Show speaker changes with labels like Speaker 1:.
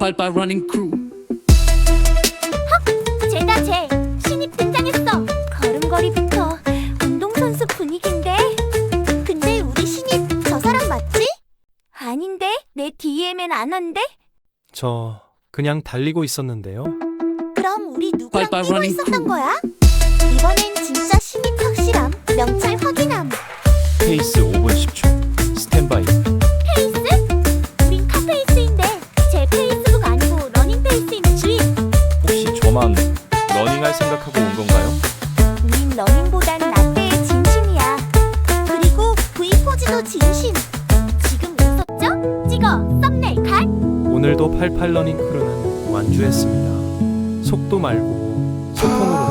Speaker 1: 88 러닝 크루.
Speaker 2: 쟤다 쟤 신입 등장했어. 걸음걸이부터 운동선수 분위기인데. 근데 우리 신입 저 사람 맞지? 아닌데 내 DM엔 안 한대?
Speaker 3: 저 그냥 달리고 있었는데요.
Speaker 2: 그럼 우리 누구랑
Speaker 1: 빨빨
Speaker 2: 뛰고
Speaker 1: 러닝
Speaker 2: 있었던
Speaker 1: 크루.
Speaker 2: 거야? 이번엔 진짜 신입 확실함. 명찰 확인함.
Speaker 4: 페이스 5분 10초 스탠바이.
Speaker 2: 페이스? 우린 카페이스인데 제 페이스북 아니고 러닝페이스인 주인.
Speaker 4: 혹시 저만 러닝할 생각하고 온 건가요?
Speaker 2: 우린 러닝보단 라떼의 진심이야. 그리고 V포즈도 진심. 지금 웃었죠? 찍어 썸네일 컷.
Speaker 3: 오늘도 88 러닝 크루는 완주했습니다. 속도 말고 소통으로